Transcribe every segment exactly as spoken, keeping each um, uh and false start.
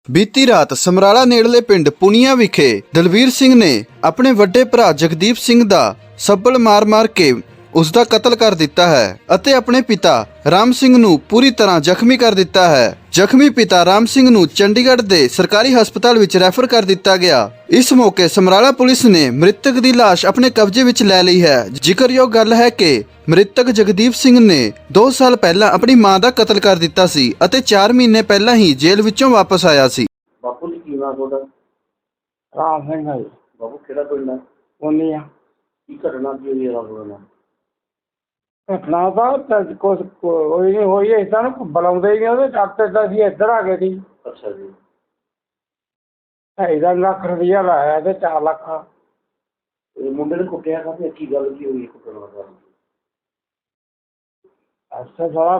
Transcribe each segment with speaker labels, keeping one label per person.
Speaker 1: ਬੀਤੀ ਰਾਤ ਸਮਰਾਲਾ ਨੇੜਲੇ ਪਿੰਡ ਪੁਨੀਆ ਵਿਖੇ ਦਲਵੀਰ ਸਿੰਘ ਨੇ ਆਪਣੇ ਵੱਡੇ ਭਰਾ ਜਗਦੀਪ ਸਿੰਘ ਦਾ ਸੱਬਲ ਮਾਰ-ਮਾਰ ਕੇ ਉਸ ਦਾ ਕਤਲ ਕਰ ਦਿੱਤਾ ਹੈ ਅਤੇ ਆਪਣੇ ਪਿਤਾ ਰਾਮ ਸਿੰਘ ਨੂੰ ਪੂਰੀ ਤਰ੍ਹਾਂ ਜ਼ਖਮੀ ਕਰ ਦਿੱਤਾ ਹੈ। ਜ਼ਖਮੀ ਪਿਤਾ ਰਾਮ ਸਿੰਘ ਨੂੰ ਚੰਡੀਗੜ੍ਹ ਦੇ ਸਰਕਾਰੀ ਹਸਪਤਾਲ ਵਿੱਚ ਰੈਫਰ ਕਰ ਦਿੱਤਾ ਗਿਆ। ਇਸ ਮੌਕੇ ਸਮਰਾਲਾ ਪੁਲਿਸ ਨੇ ਮ੍ਰਿਤਕ ਦੀ ਲਾਸ਼ ਆਪਣੇ ਕਬਜ਼ੇ ਵਿੱਚ ਲੈ ਲਈ ਹੈ। ਜ਼ਿਕਰਯੋਗ ਗੱਲ ਹੈ ਕਿ ਮ੍ਰਿਤਕ ਜਗਦੀਪ ਸਿੰਘ ਨੇ ਦੋ ਸਾਲ ਪਹਿਲਾਂ ਆਪਣੀ ਮਾਂ ਦਾ ਕਤਲ ਕਰ ਦਿੱਤਾ ਸੀ ਅਤੇ ਚਾਰ ਮਹੀਨੇ ਪਹਿਲਾਂ ਹੀ ਜੇਲ੍ਹ ਵਿੱਚੋਂ ਵਾਪਸ ਆਇਆ ਸੀ।
Speaker 2: ਬਾਪੂ ਜੀ ਕੀ ਨਾਮ ਤੁਹਾਡਾ?
Speaker 3: ਰਾਮ ਸਿੰਘ ਹੈ ਜੀ।
Speaker 2: ਬਾਪੂ ਕਿਹੜਾ ਪਿੰਡ ਹੈ?
Speaker 3: ਪੁਨੀਆ।
Speaker 2: ਕੀ ਘਟਨਾ ਕੀ ਹੋਈ ਹੈ ਰਾਤ ਨੂੰ?
Speaker 3: ਘਟਨਾ ਤਾਂ ਕੁਛ ਕੋਈ ਨਹੀਂ ਹੋਈ, ਇੱਦਾਂ ਨੂੰ ਬੁਲਾਉਂਦੇ ਹੀ ਨਹੀਂ ਉਹਦੇ ਡਾਕਟਰ ਤਾਂ ਅਸੀਂ ਇੱਧਰ ਆ ਗਏ ਸੀ।
Speaker 2: ਅੱਛਾ ਜੀ।
Speaker 3: ਢਾਈ ਦਾ ਲੱਖ ਰੁਪਈਆ ਲਾਇਆ ਤੇ ਚਾਰ ਲੱਖ।
Speaker 2: ਇਹ ਮੁੰਡੇ ਨੇ ਕੁੱਟਿਆ ਕਾਹਤੇ? ਕੀ ਗੱਲ ਕੀ ਹੋਈ ਕੁੱਟਣ ਦਾ?
Speaker 3: ਅੱਛਾ ਸਾਰਾ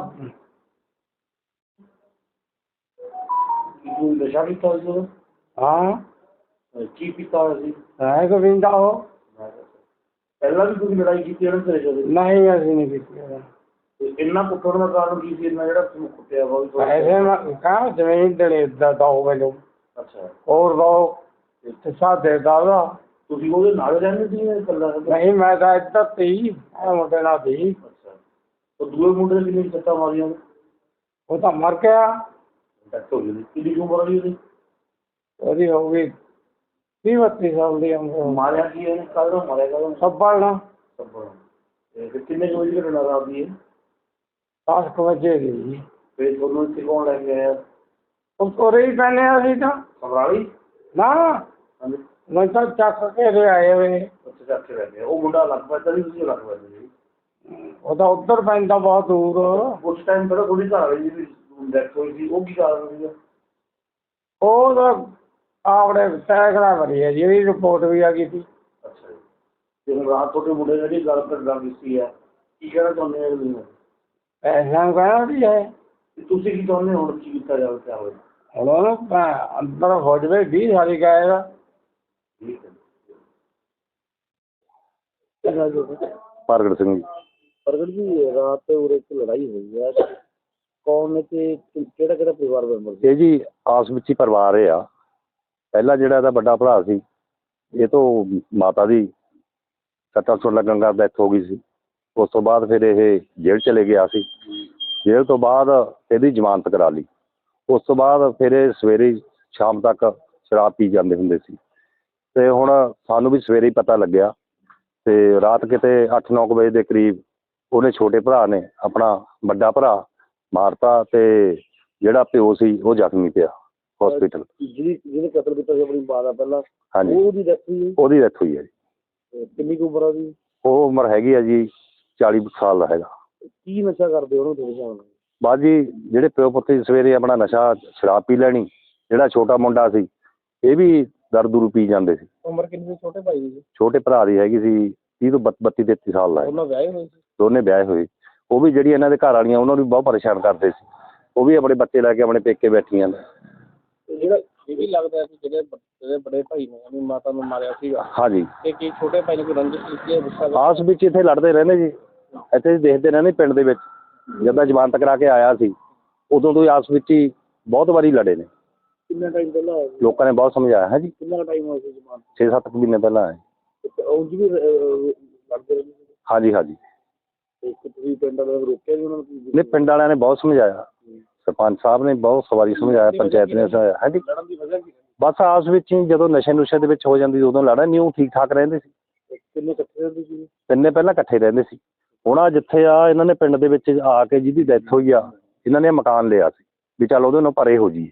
Speaker 2: ਕੀ ਨਸ਼ਾ ਕੀਤਾ ਹੋਇਆ ਸੀ?
Speaker 3: ਹਾਂ
Speaker 2: ਕੀ ਪੀਤਾ ਹੋਇਆ ਸੀ?
Speaker 3: ਹੈ ਗੋਵਿੰਦਾ ਉਹ।
Speaker 2: ਪਹਿਲਾਂ ਵੀ ਤੁਸੀਂ ਲੜਾਈ ਕੀਤੀ ਇਹਨਾਂ ਤੇਰੇ ਜਦੋਂ?
Speaker 3: ਨਹੀਂ ਅਸੀਂ ਨਹੀਂ ਕੀਤੀ।
Speaker 2: ਇੰਨਾ ਕੁੱਟਣ ਦਾ ਕਾਰਨ ਕੀ ਸੀ? ਇੰਨਾ ਜਿਹੜਾ ਤੁਹਾਨੂੰ ਕੁੱਟਿਆ ਵਾ?
Speaker 3: ਪੈਸੇ ਕਹਾਂ ਜ਼ਮੀਨ ਦੇਣੇ ਦਾ ਦੋ ਮੈਨੂੰ।
Speaker 2: ਅੱਛਾ।
Speaker 3: ਹੋਰ ਦੋ ਤੇ ਸਾਦੇ ਦਾ ਉਹਦਾ।
Speaker 2: ਤੁਸੀਂ ਉਹਦੇ ਨਾਲ ਰਹਿੰਦੇ ਸੀ ਜਾਂ ਇਕੱਲਾ?
Speaker 3: ਨਹੀਂ ਮੈਂ ਤਾਂ ਇੱਧਰ ਤੀ ਇਹ ਮੁੰਡੇ ਨਾਲ ਤੀ।
Speaker 2: ਅੱਛਾ। ਉਹ ਦੂਏ ਮੁੰਡੇ ਨੇ ਕਿੰਨੀ ਸੱਟਾਂ ਮਾਰੀਆਂ?
Speaker 3: ਉਹ ਤਾਂ ਮਰ ਗਿਆ।
Speaker 2: ਡੈਥ ਹੋ ਗਈ। ਕਿੰਨੀ ਉਮਰ ਹੋਈ ਉਹਦੀ?
Speaker 3: ਉਹਦੀ ਹੋ ਗਈ ਵੀਹ ਬੱਤੀ ਸਾਲ ਦੀ ਉਮਰ।
Speaker 2: ਮਾਰਿਆ ਕੀ ਇਹਨੇ? ਕਾਹਦਾ ਮਾਰਿਆ? ਕਾਹਦਾ?
Speaker 3: ਸੱਬਲ ਨਾ।
Speaker 2: ਸੱਬਲ। ਤੇ ਕਿੰਨੇ ਕੁ ਵਜੇ ਘਟਨਾ ਰਾਤ ਦੀ ਹੈ?
Speaker 3: ਦਸ ਕੁ ਵਜੇ ਦੀ।
Speaker 2: ਫਿਰ ਤੁਹਾਨੂੰ ਇੱਥੇ ਕੌਣ ਲੈ ਕੇ ਆਇਆ?
Speaker 3: ਉਹ ਕੋਰੇ ਹੀ ਪੈਨੇ ਅਸੀਂ ਤਾਂ।
Speaker 2: ਸਮਰਾਲੀ?
Speaker 3: ਨਾ
Speaker 2: ਹਾਂਜੀ।
Speaker 3: ਮੈਂ ਤਾਂ ਚੱਕ ਕੇ ਲੈ ਆਏ ਵੇ।
Speaker 2: ਉੱਥੇ ਚੱਕ ਕੇ ਲੈ ਗਏ। ਉਹ ਮੁੰਡਾ ਲੱਗ ਪੈਂਦਾ ਸੀ, ਤੁਸੀਂ ਲੱਗ ਪੈਂਦੇ ਸੀ?
Speaker 3: ਉਹ ਤਾਂ ਉੱਧਰ ਪੈਂਦਾ ਬਹੁਤ ਦੂਰ।
Speaker 2: ਉਸ ਟਾਈਮ ਪਹਿਲਾਂ ਥੋੜੀ ਘਰ ਵਾਲੀ ਦੀ ਡੈਥ ਹੋਈ ਸੀ, ਉਹ ਕੀ ਕਾਰਨ ਸੀਗਾ?
Speaker 3: ਉਹ ਤਾਂ ਆਪਣੇ ਸੈਕੜਾ ਭਰੀ ਹੈ ਜੀ, ਇਹਦੀ ਰਿਪੋਰਟ ਵੀ ਆ ਗਈ ਸੀ।
Speaker 2: ਅੱਛਾ ਜੀ। ਤੇ ਹੁਣ ਰਾਤ ਤੁਹਾਡੇ ਮੁੰਡੇ ਨੇ ਜਿਹੜੀ ਗੱਲ ਕਰ ਗੱਲ ਕੀਤੀ ਹੈ, ਕੀ ਕਹਿਣਾ ਚਾਹੁੰਦੇ ਹੋ ਤੁਸੀਂ?
Speaker 3: ਪੈਸਿਆਂ ਨੂੰ ਕਹਿਣਾ ਵੀ ਹੈ।
Speaker 2: ਤੁਸੀਂ ਕੀ ਚਾਹੁੰਦੇ ਹੋ ਹੁਣ ਕੀ ਕੀਤਾ ਜਾਵੇ? ਕਿਆ ਹੋਵੇ?
Speaker 3: ਹੁਣ ਉਹਨੂੰ ਅੰਦਰ ਹੋ ਜਾਵੇ ਵੀਹ ਸਾਲੀ ਗਾਏਗਾ।
Speaker 2: ਠੀਕ ਹੈ।
Speaker 4: ਪ੍ਰਗਟ ਸਿੰਘ ਜੀ।
Speaker 2: ਪ੍ਰਗਟ ਜੀ, ਰਾਤ ਉਰੇ ਇੱਕ ਲੜਾਈ ਹੋਈ ਹੈ, ਕੌਣ ਨੇ ਤੇ ਕਿਹੜਾ ਕਿਹੜਾ ਪਰਿਵਾਰ ਮੈਂਬਰ ਸੀ?
Speaker 4: ਇਹ ਜੀ ਆਸ ਵਿੱਚ ਹੀ ਪਰਿਵਾਰ ਇਹ ਆ। ਪਹਿਲਾ ਜਿਹੜਾ ਇਹਦਾ ਵੱਡਾ ਭਰਾ ਸੀ, ਇਹ ਤੋਂ ਮਾਤਾ ਦੀ ਸੱਟਾਂ ਸੁੱਟ ਲੱਗਣ ਨਾਲ ਡੈਥ ਹੋ ਗਈ ਸੀ। ਉਸ ਤੋਂ ਬਾਅਦ ਫਿਰ ਇਹ ਜੇਲ੍ਹ ਚਲੇ ਗਿਆ ਸੀ। ਜੇਲ੍ਹ ਤੋਂ ਬਾਅਦ ਇਹਦੀ ਜ਼ਮਾਨਤ ਕਰਾ ਲਈ। ਉਸ ਤੋਂ ਬਾਅਦ ਫਿਰ ਇਹ ਸਵੇਰੇ ਸ਼ਾਮ ਤੱਕ ਸ਼ਰਾਬ ਪੀ ਜਾਂਦੇ ਹੁੰਦੇ ਸੀ। ਅਤੇ ਹੁਣ ਸਾਨੂੰ ਵੀ ਸਵੇਰੇ ਹੀ ਪਤਾ ਲੱਗਿਆ ਅਤੇ ਰਾਤ ਕਿਤੇ ਅੱਠ ਨੌ ਕੁ ਵਜੇ ਦੇ ਕਰੀਬ ਉਹਨੇ ਛੋਟੇ ਭਰਾ ਨੇ ਆਪਣਾ ਵੱਡਾ ਭਰਾ ਮਾਰਤਾ ਅਤੇ ਜਿਹੜਾ ਪਿਓ ਸੀ ਉਹ ਜ਼ਖਮੀ ਪਿਆ ਹੋਸਪਿਟਲ।
Speaker 2: ਜਿਹਦੀ ਜਿਹਨੇ ਕਤਲ ਕੀਤਾ ਸੀ ਆਪਣੀ ਮਾਂ ਦਾ ਪਹਿਲਾਂ,
Speaker 4: ਹਾਂਜੀ,
Speaker 2: ਉਹਦੀ ਡੈਥ ਹੋਈ?
Speaker 4: ਉਹਦੀ ਡੈਥ ਹੋਈ ਹੈ ਜੀ।
Speaker 2: ਕਿੰਨੀ ਕੁ ਉਮਰ ਆ ਉਹਦੀ?
Speaker 4: ਉਹ ਉਮਰ ਹੈਗੀ ਆ ਜੀ ਚਾਲੀ ਸਾਲ ਦਾ ਹੈਗਾ।
Speaker 2: ਕੀ ਨਸ਼ਾ ਕਰਦੇ ਉਹਨੂੰ ਤੁਹਾਡੇ ਹਿਸਾਬ ਨਾਲ?
Speaker 4: ਬਸ ਜੀ ਜਿਹੜੇ ਪਿਓ ਪੁੱਤ ਸਵੇਰੇ ਆਪਣਾ ਨਸ਼ਾ ਸ਼ਰਾਬ ਪੀ ਲੈਣੀ। ਜਿਹੜਾ ਛੋਟਾ ਮੁੰਡਾ ਸੀ ਇਹ ਵੀ ਦਾਰੂ ਦੂਰੂ ਪੀ ਜਾਂਦੇ ਸੀ।
Speaker 2: ਉਮਰ ਕਿੰਨੀ ਸੀ ਛੋਟੇ ਭਾਈ ਦੀ?
Speaker 4: ਛੋਟੇ ਭਰਾ ਦੀ ਹੈਗੀ ਸੀ ਤੀਹ ਤੋਂ ਬੱਤੀ ਤੇਤੀ ਸਾਲ ਦਾ।
Speaker 2: ਉਹਨਾਂ ਵਿਆਹੇ ਹੋਏ ਸੀ?
Speaker 4: ਦੋਨੇ ਵਿਆਹੇ ਹੋਏ। ਉਹ ਵੀ ਜਿਹੜੀ ਇਹਨਾਂ ਦੇ ਘਰ ਵਾਲੀਆਂ ਉਹਨਾਂ ਨੂੰ ਵੀ ਬਹੁਤ ਪਰੇਸ਼ਾਨ ਕਰਦੇ ਸੀ। ਉਹ ਵੀ ਆਪਣੇ ਬੱਚੇ ਲੈ ਕੇ ਆਪਣੇ ਪੇਕੇ ਬੈਠੀਆਂ ਨੇ।
Speaker 2: ਜਿਹੜਾ ਇਹ ਵੀ ਲੱਗਦਾ ਕਿ ਜਿਹੜੇ ਜਿਹੜੇ ਬੜੇ ਭਾਈ ਨੇ ਆਪਣੀ ਮਾਤਾ ਨੂੰ ਮਾਰਿਆ ਸੀਗਾ,
Speaker 4: ਹਾਂਜੀ,
Speaker 2: ਤੇ ਕੀ ਛੋਟੇ ਭਾਈ ਨੇ ਕੋਈ ਰੰਜਿਸ਼ ਕੀਤੀ ਹੈ? ਗੁੱਸਾ
Speaker 4: ਆਸ ਵਿੱਚ ਇੱਥੇ ਲੜਦੇ ਰਹਿੰਦੇ ਜੀ। ਇੱਥੇ ਦੇਖਦੇ ਰਹਿੰਦੇ ਪਿੰਡ ਦੇ ਵਿੱਚ। ਜਦੋਂ ਜ਼ਮਾਨਤ ਕਰਾ ਕੇ ਆਇਆ ਸੀ ਉਦੋਂ ਤੋਂ ਹੀ ਆਸ ਵਿੱਚ ਹੀ ਬਹੁਤ ਵਾਰੀ ਲੜੇ ਨੇ।
Speaker 2: ਕਿੰਨਾ ਟਾਈਮ ਪਹਿਲਾਂ ਹੋਇਆ ਸੀ?
Speaker 4: ਲੋਕਾਂ ਨੇ ਬਹੁਤ ਸਮਝਾਇਆ ਹੈ ਜੀ।
Speaker 2: ਕਿੰਨਾ ਟਾਈਮ ਹੋਇਆ ਸੀ ਜ਼ਮਾਨਤ?
Speaker 4: ਛੇ ਸੱਤ ਕੁ ਮਹੀਨੇ ਪਹਿਲਾਂ ਆਏ।
Speaker 2: ਉਂਝ ਵੀ ਲੜਦੇ ਰਹਿੰਦੇ ਸੀ?
Speaker 4: ਹਾਂਜੀ ਹਾਂਜੀ।
Speaker 2: ਤੇ ਤੁਸੀਂ ਪਿੰਡ ਵਾਲਿਆਂ ਨੂੰ ਰੋਕਿਆ ਜੀ ਉਹਨਾਂ ਨੂੰ?
Speaker 4: ਨਹੀਂ, ਪਿੰਡ ਵਾਲਿਆਂ ਨੇ ਬਹੁਤ ਸਮਝਾਇਆ। ਸਰਪੰਚ ਸਾਹਿਬ ਨੇ ਬਹੁਤ ਸਵਾਰੀ ਸਮਝਾਇਆ, ਪੰਚਾਇਤ ਨੇ ਸਮਝਾਇਆ। ਹਾਂਜੀ,
Speaker 2: ਲੜਨ ਦੀ ਵਜ੍ਹਾ ਕੀ?
Speaker 4: ਬਸ ਆਸ ਵਿੱਚ ਹੀ ਜਦੋਂ ਨਸ਼ੇ ਨੁਸ਼ੇ ਦੇ ਵਿੱਚ ਹੋ ਜਾਂਦੀ ਉਦੋਂ ਲੜਾ ਨਹੀਂ। ਉਹ ਠੀਕ ਠਾਕ ਰਹਿੰਦੇ ਸੀ।
Speaker 2: ਕਿੰਨੇ ਇਕੱਠੇ ਰਹਿੰਦੇ ਸੀ?
Speaker 4: ਤਿੰਨੇ ਪਹਿਲਾਂ ਇਕੱਠੇ ਰਹਿੰਦੇ ਸੀ। ਹੁਣ ਆ ਜਿੱਥੇ ਆ ਇਹਨਾਂ ਨੇ ਪਿੰਡ ਦੇ ਵਿੱਚ ਆ ਕੇ ਜਿਹਦੀ ਡੈਥ ਹੋਈ ਆ, ਇਹਨਾਂ ਨੇ ਮਕਾਨ ਲਿਆ ਸੀ ਵੀ ਚੱਲ ਉਹਦੇ ਨਾਲ ਪਰੇ ਹੋ ਜਾਈਏ।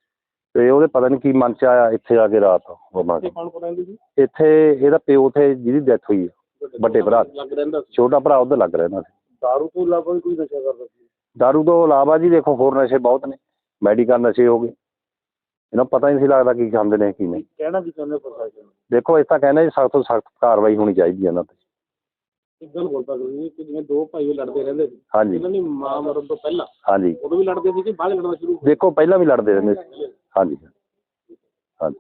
Speaker 4: ਅਤੇ ਉਹਦੇ ਪਤਾ ਨਹੀਂ ਕੀ ਮਨ 'ਚ ਆਇਆ ਇੱਥੇ ਆ ਕੇ ਰਾਤ ਹੋਣਾ।
Speaker 2: ਕੌਣ ਕੌਣ ਰਹਿੰਦੇ ਸੀ
Speaker 4: ਇੱਥੇ? ਇਹਦਾ ਪਿਓ ਉੱਥੇ ਜਿਹਦੀ ਡੈਥ ਹੋਈ ਆ, ਵੱਡੇ ਭਰਾ।
Speaker 2: ਲੱਗ ਰਹਿੰਦਾ ਸੀ?
Speaker 4: ਛੋਟਾ ਭਰਾ ਉੱਧਰ ਲੱਗ ਰਹਿੰਦਾ ਸੀ।
Speaker 2: ਦਾਰੂ ਤੋਂ ਇਲਾਵਾ ਵੀ ਕੋਈ ਨਸ਼ਾ ਕਰਦਾ ਸੀ?
Speaker 4: ਦਾਰੂ ਤੋਂ ਇਲਾਵਾ ਜੀ ਦੇਖੋ ਹੋਰ ਨਸ਼ੇ ਬਹੁਤ ਨੇ। ਮੈਡੀਕਲ ਨਸ਼ੇ ਹੋ ਗਏ। ਇਹਨਾਂ ਨੂੰ ਪਤਾ ਹੀ ਨਹੀਂ ਸੀ ਲੱਗਦਾ ਕੀ ਖਾਂਦੇ ਨੇ ਕੀ ਨਹੀਂ।
Speaker 2: ਕਹਿਣਾ ਕੀ ਚਾਹੁੰਦੇ ਪ੍ਰਸ਼ਾਸਨ ਨੂੰ?
Speaker 4: ਦੇਖੋ ਇਸ ਤਾਂ ਕਹਿੰਦੇ ਜੀ ਸਖਤ ਤੋਂ ਸਖਤ ਕਾਰਵਾਈ ਹੋਣੀ ਚਾਹੀਦੀ ਹੈ ਇਹਨਾਂ 'ਤੇ।
Speaker 2: ਇੱਕ ਗੱਲ ਬੋਲਦਾ ਤੁਸੀਂ ਕਿ ਜਿਵੇਂ ਦੋ ਭਾਈ ਲੜਦੇ ਰਹਿੰਦੇ ਸੀ,
Speaker 4: ਹਾਂਜੀ
Speaker 2: ਇਹਨਾਂ ਦੀ ਮਾਂ ਮਰਨ ਤੋਂ ਪਹਿਲਾਂ
Speaker 4: ਹਾਂਜੀ।
Speaker 2: ਉਦੋਂ ਵੀ ਲੜਦੇ ਸੀ ਕਿ ਬਾਅਦ ਲੜਨਾ ਸ਼ੁਰੂ?
Speaker 4: ਦੇਖੋ ਪਹਿਲਾਂ ਵੀ ਲੜਦੇ ਰਹਿੰਦੇ ਸੀ। ਹਾਂਜੀ ਹਾਂਜੀ।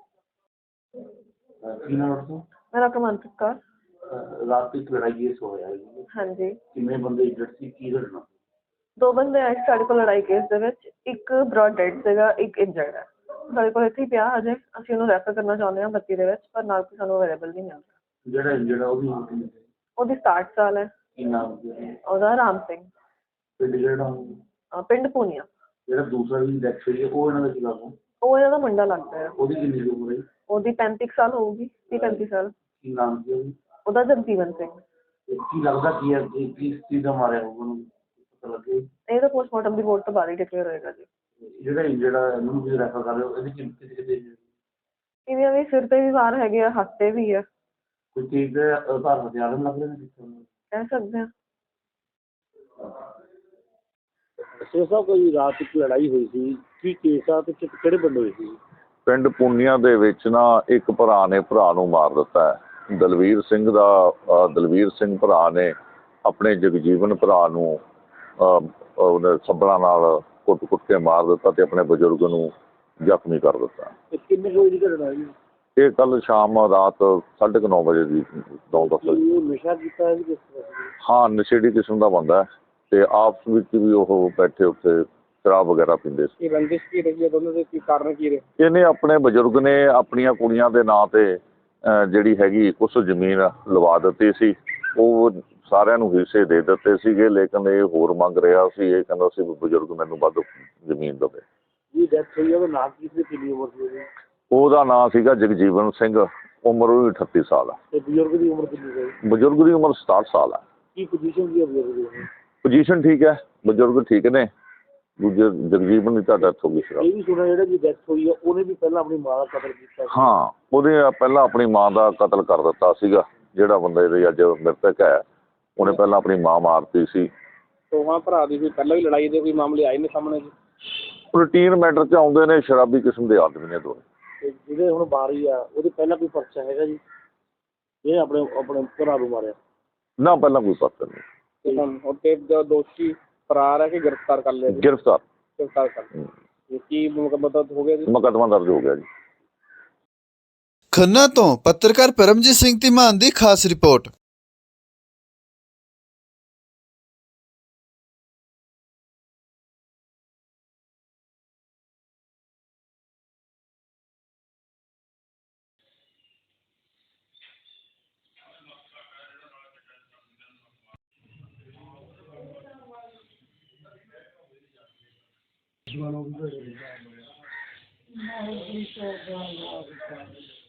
Speaker 5: ਮੇਰਾ ਕਮੰਤ ਕੌਰ।
Speaker 2: ਰਾਤ ਇੱਕ ਲੜਾਈ ਇਸ ਹੋਇਆ ਹੈ।
Speaker 5: ਹਾਂਜੀ।
Speaker 2: ਕਿੰਨੇ ਬੰਦੇ ਇੰਜਰਡ ਸੀ? ਕੀ ਲੜਨਾ?
Speaker 5: ਦੋ ਬੰਦੇ ਆਏ ਸਾਡੇ ਕੋਲ ਲੜਾਈ ਕੇਸ ਦੇ ਵਿੱਚ। ਇੱਕ ਬ੍ਰੌਡ ਡੈਡ ਸੀਗਾ, ਇੱਕ ਇੰਜਰਡ ਹੈ। ਸਾਡੇ ਕੋਲ ਇੱਥੇ ਹੀ ਪਿਆ ਹਜੇ, ਅਸੀਂ ਉਹਨੂੰ ਰੈਫਰ ਕਰਨਾ ਚਾਹੁੰਦੇ ਹਾਂ ਬੱਤੀ ਦੇ ਵਿੱਚ, ਪਰ ਨਾਲ ਕੋਈ ਸਾਨੂੰ ਅਵੇਲੇਬਲ ਨਹੀਂ ਮਿਲ ਰਿਹਾ।
Speaker 2: ਜਿਹੜਾ ਇੰਜਰਡ ਆ ਉਹਦੀ ਉਮਰ ਕਿੰਨੀ ਹੈ?
Speaker 5: ਉਹਦੀ ਸਤਾਹਠ ਸਾਲ ਹੈ।
Speaker 2: ਕੀ ਨਾਮ ਸੀ ਉਹਦਾ?
Speaker 5: ਉਹਦਾ ਰਾਮ ਸਿੰਘ,
Speaker 2: ਪਿੰਡ ਜਿਹੜਾ
Speaker 5: ਅਹ ਪਿੰਡ ਪੂਨੀਆ।
Speaker 2: ਜਿਹੜਾ ਦੂਸਰਾ ਵੀ ਡੈਥ ਹੋਈ ਹੈ ਉਹ ਇਹਨਾਂ ਦਾ ਕੀ ਲੱਗਦਾ?
Speaker 5: ਉਹ ਇਹਨਾਂ ਦਾ ਮੁੰਡਾ ਲੱਗਦਾ ਹੈ।
Speaker 2: ਉਹਦੀ ਕਿੰਨੀ ਕੁ ਉਮਰ ਹੈ?
Speaker 5: ਉਹਦੀ ਪੈਂਤੀ ਕੁ ਸਾਲ ਹੋਊਗੀ, ਤੀਹ ਪੈਂਤੀ ਸਾਲ।
Speaker 2: ਕੀ ਨਾਮ ਸੀ ਉਹਦੀ?
Speaker 5: ਉਹਦਾ ਜਗਜੀਵਨ ਸਿੰਘ।
Speaker 2: ਤੇ ਕੀ ਲੱਗਦਾ ਕੀ ਹੈ ਕਿ ਕਿਸ ਚੀਜ਼ ਦਾ ਮਾਰਿਆ ਹੋਊਗਾ ਉਹਨੂੰ, ਪਤਾ ਲੱਗੇ?
Speaker 5: ਇਹ ਤਾਂ ਪੋਸਟਮਾਰਟਮ ਦੀ ਰਿਪੋਰਟ ਤੋਂ ਬਾਅਦ ਹੀ ਡਿਕਲੇਅਰ ਹੋਏਗਾ ਜੀ।
Speaker 2: ਜਿਹੜਾ ਇੰਜਰਡ ਆ ਇਹਨੂੰ ਵੀ ਰੈਫਰ ਕਰ ਰਹੇ ਹੋ, ਇਹਦੀ ਕਿੰਨੀ ਕਿਤੇ ਕਿਤੇ
Speaker 5: ਇਹਦੀਆਂ ਵੀ ਸਿਰ ਤੇ ਵੀ ਵਾਰ ਹੈਗੇ ਆ, ਹੱਥ ਤੇ ਵੀ ਆ।
Speaker 2: ਕੋਈ ਚੀਜ਼ ਦੇ ਆਧਾਰ ਹਥਿਆਰ ਲੱਗ ਰਹੇ ਨੇ ਕਿੱਥੇ?
Speaker 5: ਕਹਿ ਸਕਦੇ ਹਾਂ।
Speaker 2: ਸੋ ਸਾਹਿਬ ਕੋਈ ਰਾਤ ਇੱਕ ਲੜਾਈ ਹੋਈ ਸੀ, ਕੀ ਕੇਸ ਆ ਤੇ ਕਿ- ਕਿਹੜੇ ਬੰਦੇ ਹੋਏ ਸੀ?
Speaker 4: ਪਿੰਡ ਪੁੰਨੀਆਂ ਦੇ ਵਿੱਚ ਨਾ ਇੱਕ ਭਰਾ ਨੇ ਭਰਾ ਨੂੰ ਮਾਰ ਦਿੱਤਾ ਹੈ। ਦਲਵੀਰ ਸਿੰਘ ਦਾ ਅ, ਦਲਵੀਰ ਸਿੰਘ ਭਰਾ ਨੇ ਆਪਣੇ ਜਗਜੀਵਨ ਭਰਾ ਨੂੰ ਅ, ਉਹਨੇ ਸੱਬਲਾਂ ਨਾਲ ਕੁੱਟ-ਕੁੱਟ ਕੇ ਮਾਰ ਦਿੱਤਾ ਤੇ ਆਪਣੇ ਬਜ਼ੁਰਗ ਨੂੰ ਜ਼ਖਮੀ ਕਰ ਦਿੱਤਾ।
Speaker 2: ਤੇ ਕਿੰਨੇ ਕੋਈ ਦੀ ਘਟਨਾ ਹੈ?
Speaker 4: ਇਹ ਕੱਲ ਸ਼ਾਮ ਰਾਤ ਸਾਢੇ ਕੁ ਨੌ ਵਜੇ ਦੀ ਨੌ ਦਸ ਵਜੇ।
Speaker 2: ਉਹ ਨਸ਼ਾ ਕੀਤਾ ਹੈ ਕਿਸ ਤਰ੍ਹਾਂ?
Speaker 4: ਹਾਂ, ਨਸ਼ੇੜੀ ਕਿਸਮ ਦਾ ਬੰਦਾ ਹੈ ਤੇ ਆਪਸ ਵਿੱਚ ਵੀ ਉਹ ਬੈਠੇ ਉੱਤੇ ਸ਼ਰਾਬ ਵਗੈਰਾ ਪੀਂਦੇ ਸੀ।
Speaker 2: ਇਹ ਰੰਜਿਸ਼ ਕੀ ਰਹੀ ਹੈ ਦੋਨਾਂ ਦੇ, ਕੀ ਕਾਰਨ ਕੀ ਰਹੇ?
Speaker 4: ਇਹਨੇ ਆਪਣੇ ਬਜ਼ੁਰਗ ਨੇ ਆਪਣੀਆਂ ਕੁੜੀਆਂ ਦੇ ਨਾਂ ਤੇ ਅਹ, ਜਿਹੜੀ ਹੈਗੀ ਕੁਛ ਜ਼ਮੀਨ ਲਵਾ ਦਿੱਤੀ ਸੀ। ਉਹ ਸਾਰਿਆਂ ਨੂੰ ਹਿੱਸੇ ਦੇ ਦਿੱਤੇ ਸੀਗੇ, ਲੇਕਿਨ ਇਹ ਹੋਰ ਮੰਗ ਰਿਹਾ ਸੀ। ਇਹ ਕਹਿੰਦਾ ਸੀ ਵੀ ਬਜ਼ੁਰਗ ਮੈਨੂੰ ਵੱਧ ਜ਼ਮੀਨ ਦੇਵੇ।
Speaker 2: ਜੀ ਡੈਥ ਹੋਈ ਹੈ ਉਹਦਾ ਨਾਮ ਕੀ ਸੀ, ਕਿੰਨੀ ਉਮਰ ਸੀ ਉਹਦੀ?
Speaker 4: ਉਹਦਾ ਨਾਂ ਸੀਗਾ ਜਗਜੀਵਨ ਸਿੰਘ, ਉਮਰ ਉਹਦੀ ਅਠੱਤੀ ਸਾਲ ਹੈ।
Speaker 2: ਤੇ ਬਜ਼ੁਰਗ ਦੀ ਉਮਰ ਕਿੰਨੀ ਹੈ?
Speaker 4: ਬਜ਼ੁਰਗ ਦੀ ਉਮਰ ਸਤਾਹਠ ਸਾਲ ਹੈ।
Speaker 2: ਕੀ ਪੋਜੀਸ਼ਨ ਕੀ ਹੈ ਬਜ਼ੁਰਗ ਦੀ?
Speaker 4: ਪੋਜੀਸ਼ਨ ਠੀਕ ਹੈ, ਬਜ਼ੁਰਗ ਠੀਕ ਨੇ। ਦੂਜੇ ਜਗਜੀਵਨ ਦੀ ਤਾਂ ਡੈਥ ਹੋ ਗਈ ਸੀ।
Speaker 2: ਇਹ ਵੀ ਸੁਣਿਆ ਜਿਹੜਾ ਜੀ ਡੈਥ ਹੋਈ ਹੈ ਉਹਨੇ ਵੀ ਪਹਿਲਾਂ ਆਪਣੀ ਮਾਂ ਦਾ ਕਤਲ ਕੀਤਾ ਸੀ।
Speaker 4: ਹਾਂ, ਉਹਨੇ ਪਹਿਲਾਂ ਆਪਣੀ ਮਾਂ ਦਾ ਕਤਲ ਕਰ ਦਿੱਤਾ ਸੀਗਾ। ਜਿਹੜਾ ਬੰਦਾ ਇਹਦੇ ਅੱਜ ਮ੍ਰਿਤਕ ਹੈ, ਉਹਨੇ ਪਹਿਲਾਂ ਆਪਣੀ ਮਾਂ ਮਾਰਤੀ ਸੀ।
Speaker 2: ਦੋਵਾਂ ਭਰਾ ਦੀ ਕੋਈ ਪਹਿਲਾਂ ਵੀ ਲੜਾਈ ਦੇ ਕੋਈ ਮਾਮਲੇ ਆਏ ਨੇ ਸਾਹਮਣੇ ਜੀ?
Speaker 4: ਰੂਟੀਨ ਮੈਟਰ 'ਚ ਆਉਂਦੇ ਨੇ, ਸ਼ਰਾਬੀ ਕਿਸਮ ਦੇ ਆਦਮੀ ਨੇ ਦੋਵੇਂ।
Speaker 2: ਤੇ ਜਿਹੜੇ ਹੁਣ ਬਾਰੀ ਆ ਉਹਦੇ ਪਹਿਲਾਂ ਕੋਈ ਪਰਚਾ ਹੈਗਾ ਜੀ? ਇਹ ਆਪਣੇ ਆਪਣੇ ਭਰਾ ਨੂੰ ਮਾਰਿਆ?
Speaker 4: ਨਾ, ਪਹਿਲਾਂ ਕੋਈ ਪਤਾ ਨਹੀਂ।
Speaker 2: ਤੇ ਹੁਣ ਉੱਤੇ ਦੋਸ਼ੀ ਫਰਾਰ ਹੈ ਕਿ ਗ੍ਰਿਫਤਾਰ ਕਰ ਲਿਆ ਜੀ?
Speaker 4: ਗ੍ਰਿਫਤਾਰ
Speaker 2: ਗ੍ਰਿਫਤਾਰ ਕਰ ਲਿਆ। ਕੀ ਮੁਕੱਦਮਾ ਹੋ ਗਿਆ ਜੀ?
Speaker 4: ਮੁਕੱਦਮਾ ਦਰਜ ਹੋ ਗਿਆ ਜੀ।
Speaker 1: ਖੰਨਾ ਤੋਂ ਪੱਤਰਕਾਰ ਪਰਮਜੀਤ ਸਿੰਘ ਧੀਮਾਨ ਦੀ ਖਾਸ ਰਿਪੋਰਟ।
Speaker 3: One of the